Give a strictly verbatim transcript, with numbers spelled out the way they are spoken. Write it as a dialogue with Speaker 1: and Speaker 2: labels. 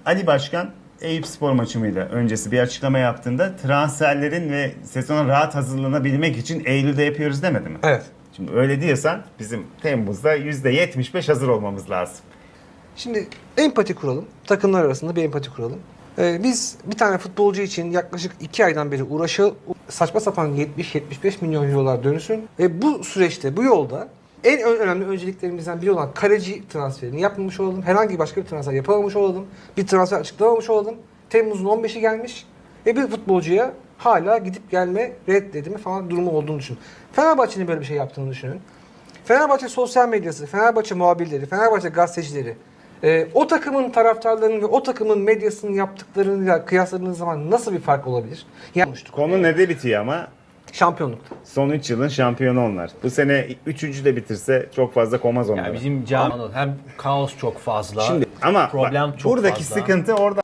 Speaker 1: Ali Başkan Eyüpspor maçıyla öncesi bir açıklama yaptığında transferlerin ve sezona rahat hazırlanabilmek için Eylül'de yapıyoruz demedi mi?
Speaker 2: Evet.
Speaker 1: Şimdi öyle diyorsan bizim Temmuz'da yüzde yetmiş beş hazır olmamız lazım.
Speaker 2: Şimdi empati kuralım. Takımlar arasında bir empati kuralım. Ee, biz bir tane futbolcu için yaklaşık iki aydan beri uğraşı saçma sapan yetmiş yetmiş beş milyon eurolar dönüşün. Ve bu süreçte, bu yolda en ö- önemli önceliklerimizden biri olan kaleci transferini yapmamış olalım. Herhangi başka bir transfer yapamamış olalım. Bir transfer açıklamamış olalım. Temmuz'un on beşi gelmiş ve bir futbolcuya hala gidip gelme, reddedilme falan durumu olduğunu düşünün. Fenerbahçe'nin böyle bir şey yaptığını düşünün. Fenerbahçe sosyal medyası, Fenerbahçe muhabirleri, Fenerbahçe gazetecileri e, o takımın taraftarlarının ve o takımın medyasının yaptıklarıyla kıyasladığınız zaman nasıl bir fark olabilir? Yani
Speaker 1: Konu ne bitiyor ama?
Speaker 2: şampiyonlukta.
Speaker 1: Son üç yılın şampiyonu onlar. Bu sene üçüncü de bitirse çok fazla komaz onlara.
Speaker 3: Ya bizim camianın hem kaos çok fazla,
Speaker 1: Şimdi ama
Speaker 3: problem
Speaker 1: bak,
Speaker 3: çok
Speaker 1: buradaki
Speaker 3: fazla.
Speaker 1: sıkıntı orada.